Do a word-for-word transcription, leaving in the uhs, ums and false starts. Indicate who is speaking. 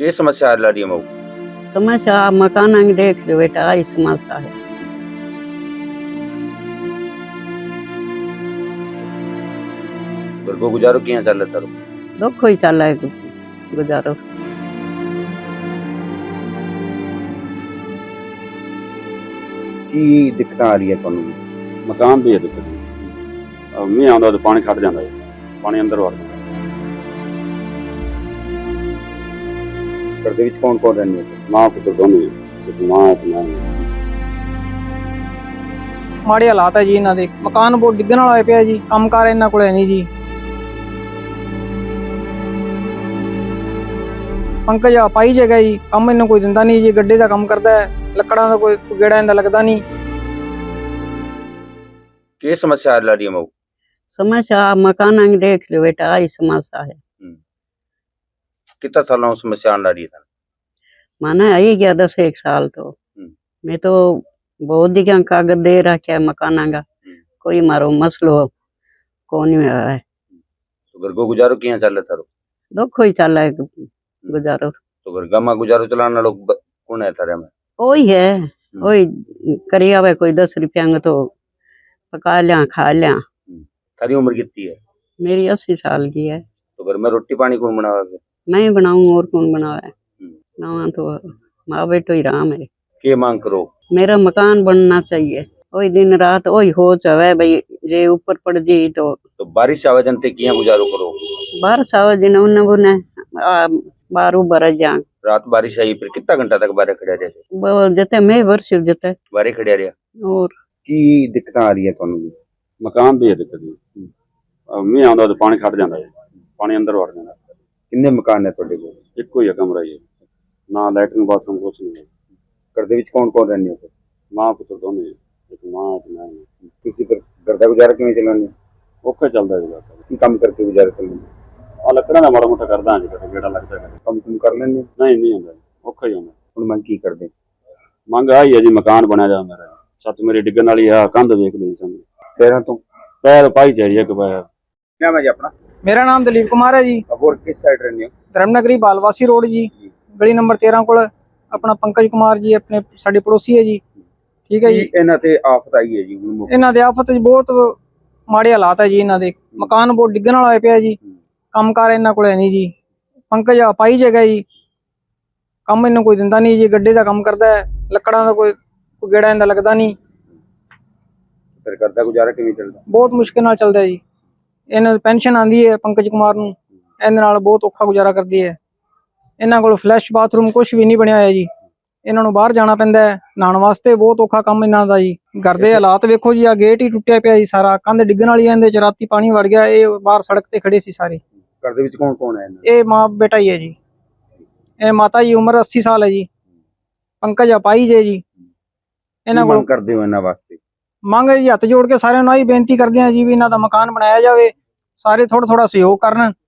Speaker 1: ਕੀ ਸਮੱਸਿਆ ਆ ਰਹੀ ਹੈ ਮऊ?
Speaker 2: समस्या मकान अंग देख लो बेटा, आई समस्या है।
Speaker 1: घर को गुजारो किया चल रहा है?
Speaker 2: दुख ही चल है गुजारो।
Speaker 1: की दिक्कत आ रही है ਤੁਹਾਨੂੰ?
Speaker 3: ਮਕਾਨ ਦੀ ਹੈ ਦਿੱਕਤ। ਮੀਂਹ ਆਉਂਦਾ ਤਾਂ ਪਾਣੀ ਖੜ ਜਾਂਦਾ ਹੈ, ਪਾਣੀ ਅੰਦਰ ਵੜ ਜਾਂਦਾ।
Speaker 1: ਘਰ ਦੇ ਵਿੱਚ ਕੌਣ ਕੌਣ ਰਹਿੰਦੇ ਹੋ?
Speaker 3: ਮਾਂ ਪੁੱਤਰ ਦੋਨੇ, ਇੱਕ ਮਾਂ ਤੇ ਮੈਂ।
Speaker 4: ਮਾੜੇ ਹਾਲਾਤ ਹੈ ਜੀ ਇਹਨਾਂ ਦੇ। ਮਕਾਨ ਬਹੁਤ ਡਿੱਗਣ ਵਾਲਾ ਹੋਇਆ ਪਿਆ ਜੀ। ਕੰਮਕਾਰ ਇਹਨਾਂ ਕੋਲ ਹੈ ਨਹੀਂ ਜੀ। ਪੰਕਜ ਆ ਪਾਈ ਜਗ੍ਹਾ ਜੀ, ਕੰਮ ਇਹਨੂੰ ਕੋਈ ਦਿੰਦਾ ਨਹੀਂ ਜੀ। ਗੱਡੇ ਦਾ ਕੰਮ ਕਰਦਾ ਹੈ, ਲੱਕੜਾਂ ਦਾ ਕੋਈ ਗੇੜਾ ਇਹਦਾ ਲੱਗਦਾ ਨਹੀਂ।
Speaker 1: ਕੀ ਸਮੱਸਿਆ ਆ ਰਹੀ ਹੈ ਮऊ?
Speaker 2: समस्या मकान अंग देख लो बेटा, आई समस्या है।
Speaker 1: कितना सालों से समस्या आ रही है?
Speaker 2: माना आई गया दस एक साल तो मैं तो बहुत दिखा कागज दे रखा है मकान का, कोई मारो मसलो कौन नहीं हुआ है।
Speaker 1: तो घर को गुजारो किया चल रहा था?
Speaker 2: दुख ही चल है गुजारो।
Speaker 1: तो घर गामा गुजारो चलाना लोग कौन है थारे में?
Speaker 2: वही है, वही करी आवे कोई दस रुपया में तो पका लिया खा लिया।
Speaker 1: थारी उम्र कितनी है?
Speaker 2: मेरी अस्सी साल की है।
Speaker 1: तो घर में रोटी पानी कौन बनावे?
Speaker 2: मैं ही बनाऊं, और कौन बनावे? ना तो माँ बेटो ही राम है।
Speaker 1: के मांग करो?
Speaker 2: मेरा मकान बनना चाहिए। वही दिन रात वही हो चाहे भाई, जे ऊपर पड़ जी तो
Speaker 1: तो बारिश आवे जनते किया गुजारो करो?
Speaker 2: बारिश आवे दिन उन्हें बुने बारू बरस जा।
Speaker 1: रात बारिश आई फिर कितना घंटा तक बारे खड़े रहे?
Speaker 2: वो जते मैं वर्ष जते
Speaker 1: बारे खड़े रहे।
Speaker 2: और
Speaker 1: की दिक्कत आ रही है ਤੁਹਾਨੂੰ?
Speaker 3: ਮਕਾਨ ਦੀ ਹੈ ਦਿੱਕਤ। ਮੀਂਹ ਆਉਂਦਾ ਤਾਂ ਪਾਣੀ ਖੜ ਜਾਂਦਾ ਹੈ, ਪਾਣੀ ਅੰਦਰ ਵੜ ਜਾਂਦਾ।
Speaker 1: ਕਿੰਨੇ ਮਕਾਨ ਨੇ ਤੁਹਾਡੇ ਕੋਲ?
Speaker 3: ਇੱਕੋ ਹੀ ਹੈ ਕਮਰਾ ਹੀ ਹੈ, ਨਾ ਲੈਟਰਿੰਗ ਬਾਥਰੂਮ ਕੁਛ ਨਹੀਂ ਹੈ।
Speaker 1: ਘਰ ਦੇ ਵਿੱਚ ਕੌਣ ਕੌਣ ਰਹਿੰਦੇ ਹੋ?
Speaker 3: ਮਾਂ ਪੁੱਤਰ ਦੋਨੇ, ਇੱਕ ਮਾਂ ਤੇ ਮੈਂ।
Speaker 1: ਤੁਸੀਂ ਫਿਰ ਘਰ ਦਾ ਗੁਜ਼ਾਰਾ ਕਿਵੇਂ ਚਲਾਉਂਦੇ ਹੋ?
Speaker 3: ਔਖਾ ਚੱਲਦਾ ਜੀ ਬਸ।
Speaker 1: ਕੀ ਕੰਮ ਕਰਕੇ ਗੁਜ਼ਾਰਾ ਚਲਾਉਂਦੇ ਹੋ?
Speaker 3: ਆ ਲੱਕੜਾਂ ਦਾ ਮਾੜਾ ਮੋਟਾ ਕਰਦਾ ਜੀ, ਕਦੇ ਗੇੜਾ ਲੱਗਦਾ ਕਦੇ।
Speaker 1: ਕੰਮ ਕੁਮ ਕਰ ਲੈਂਦੇ ਹੋ?
Speaker 3: ਨਹੀਂ ਨਹੀਂ ਹੁੰਦਾ, ਔਖਾ ਹੀ ਹੁੰਦਾ।
Speaker 1: ਹੁਣ ਮੰਗ ਕੀ ਕਰਦੇ?
Speaker 3: ਮੰਗ ਆਈ ਹੈ ਜੀ, ਮਕਾਨ ਬਣਿਆ ਜਾ ਮੇਰਾ। ਛੱਤ ਮੇਰੀ ਡਿੱਗਣ ਵਾਲੀ ਆ, ਕੰਧ ਵੇਖ ਲਈ ਸਾਨੂੰ।
Speaker 1: ਸ਼ਹਿਰਾਂ ਤੋਂ
Speaker 3: ਪੈਰ ਪਾਈ ਚਾਹੀਦੀ ਇੱਕ ਪੈਰ।
Speaker 1: क्या है जी अपना?
Speaker 4: ਮੇਰਾ ਨਾਮ ਦਲੀਪ ਕੁਮਾਰ ਹੈ ਜੀ।
Speaker 1: अब और किस साइड रहने हो?
Speaker 4: ਧਰਮਨਗਰੀ ਬਾਲਵਾਸੀ ਰੋਡ ਜੀ, ਗਲੀ ਨੰਬਰ ਤੇਰਾਂ ਕੋਲ। ਆਪਣਾ ਪੰਕਜ ਕੁਮਾਰ ਜੀ ਆਪਣੇ ਸਾਡੇ ਪੜੋਸੀ ਹੈ ਜੀ। ਠੀਕ ਹੈ ਜੀ।
Speaker 1: ਇਹਨਾਂ ਤੇ ਆਫਤ ਆਈ ਹੈ ਜੀ ਹੁਣ ਮੁੱਖ।
Speaker 4: ਇਹਨਾਂ ਦੇ ਆਫਤ ਜੀ ਬਹੁਤ ਮਾੜੇ ਹਾਲਾਤ ਹੈ ਜੀ ਇਹਨਾਂ ਦੇ। ਮਕਾਨ ਬਹੁਤ ਡਿੱਗਣ ਵਾਲਾ ਹੋਇਆ ਪਿਆ ਜੀ। ਕੰਮਕਾਰ ਇਹਨਾਂ ਕੋਲ ਹੈ ਨਹੀਂ ਜੀ। ਪੰਕਜ ਆ ਪਾਈ ਜਗ੍ਹਾ ਜੀ, ਕੰਮ ਇਹਨੂੰ ਕੋਈ ਦਿੰਦਾ ਨਹੀਂ ਜੀ। ਗੱਡੇ ਦਾ ਕੰਮ ਕਰਦਾ ਹੈ, ਲੱਕੜਾਂ ਦਾ ਕੋਈ ਗੇੜਾ ਇਹਦਾ ਲੱਗਦਾ ਨਹੀਂ।
Speaker 1: ਫਿਰ ਘਰ ਦਾ ਗੁਜ਼ਾਰਾ ਕਿਵੇਂ ਚੱਲਦਾ?
Speaker 4: ਬਹੁਤ ਮੁਸ਼ਕਿਲ ਨਾਲ ਚੱਲਦਾ ਜੀ। ਇਹਨਾਂ ਦੀ ਪੈਨਸ਼ਨ ਆਂਦੀ ਹੈ ਪੰਕਜ ਕੁਮਾਰ ਨੂੰ, ਇਹਦੇ ਨਾਲ ਬਹੁਤ ਔਖਾ ਗੁਜ਼ਾਰਾ ਕਰਦੀ ਹੈ। ਇਹਨਾਂ ਕੋਲ ਫਲੈਸ਼ ਬਾਥਰੂਮ ਕੁਝ ਵੀ ਨਹੀਂ ਬਣਿਆ ਹੋਇਆ ਜੀ। ਇਹਨਾਂ ਨੂੰ ਬਾਹਰ ਜਾਣਾ ਪੈਂਦਾ ਹੈ ਨਹਾਉਣ ਵਾਸਤੇ, ਬਹੁਤ ਔਖਾ ਕੰਮ ਇਹਨਾਂ ਦਾ ਜੀ। ਘਰ ਦੇ ਹਾਲਾਤ ਵੇਖੋ ਜੀ, ਆ ਗੇਟ ਹੀ ਟੁੱਟਿਆ ਪਿਆ ਜੀ ਸਾਰਾ, ਕੰਧ ਡਿੱਗਣ ਵਾਲੀ ਹੈ, ਇਹਦੇ ਚ ਰਾਤੀ ਪਾਣੀ ਵੜ ਗਿਆ। ਇਹ ਬਾਹਰ ਸੜਕ ਤੇ ਖੜੇ ਸੀ ਸਾਰੇ।
Speaker 1: ਘਰ ਦੇ ਵਿੱਚ ਕੌਣ ਕੌਣ ਹੈ?
Speaker 4: ਇਹ ਮਾਂ ਬੇਟਾ ਹੀ ਹੈ ਜੀ। ਇਹ ਮਾਤਾ ਜੀ ਉਮਰ अस्सी ਸਾਲ ਹੈ ਜੀ। ਪੰਕਜ ਅਪਾਈ ਜੇ ਜੀ। ਇਹਨਾਂ ਕੋਲ
Speaker 1: ਕਰਦੇ ਹੋ ਇਹਨਾਂ ਵਾਸਤੇ?
Speaker 4: ਮੰਗ ਜੀ ਹੱਥ ਜੋੜ ਕੇ ਸਾਰਿਆਂ ਨੂੰ ਆਹੀ ਬੇਨਤੀ ਕਰਦੇ ਆ ਜੀ ਵੀ ਇਹਨਾਂ ਦਾ ਮਕਾਨ ਬਣਾਇਆ ਜਾਵੇ। ਸਾਰੇ ਥੋੜਾ ਥੋੜਾ ਸਹਿਯੋਗ ਕਰਨ।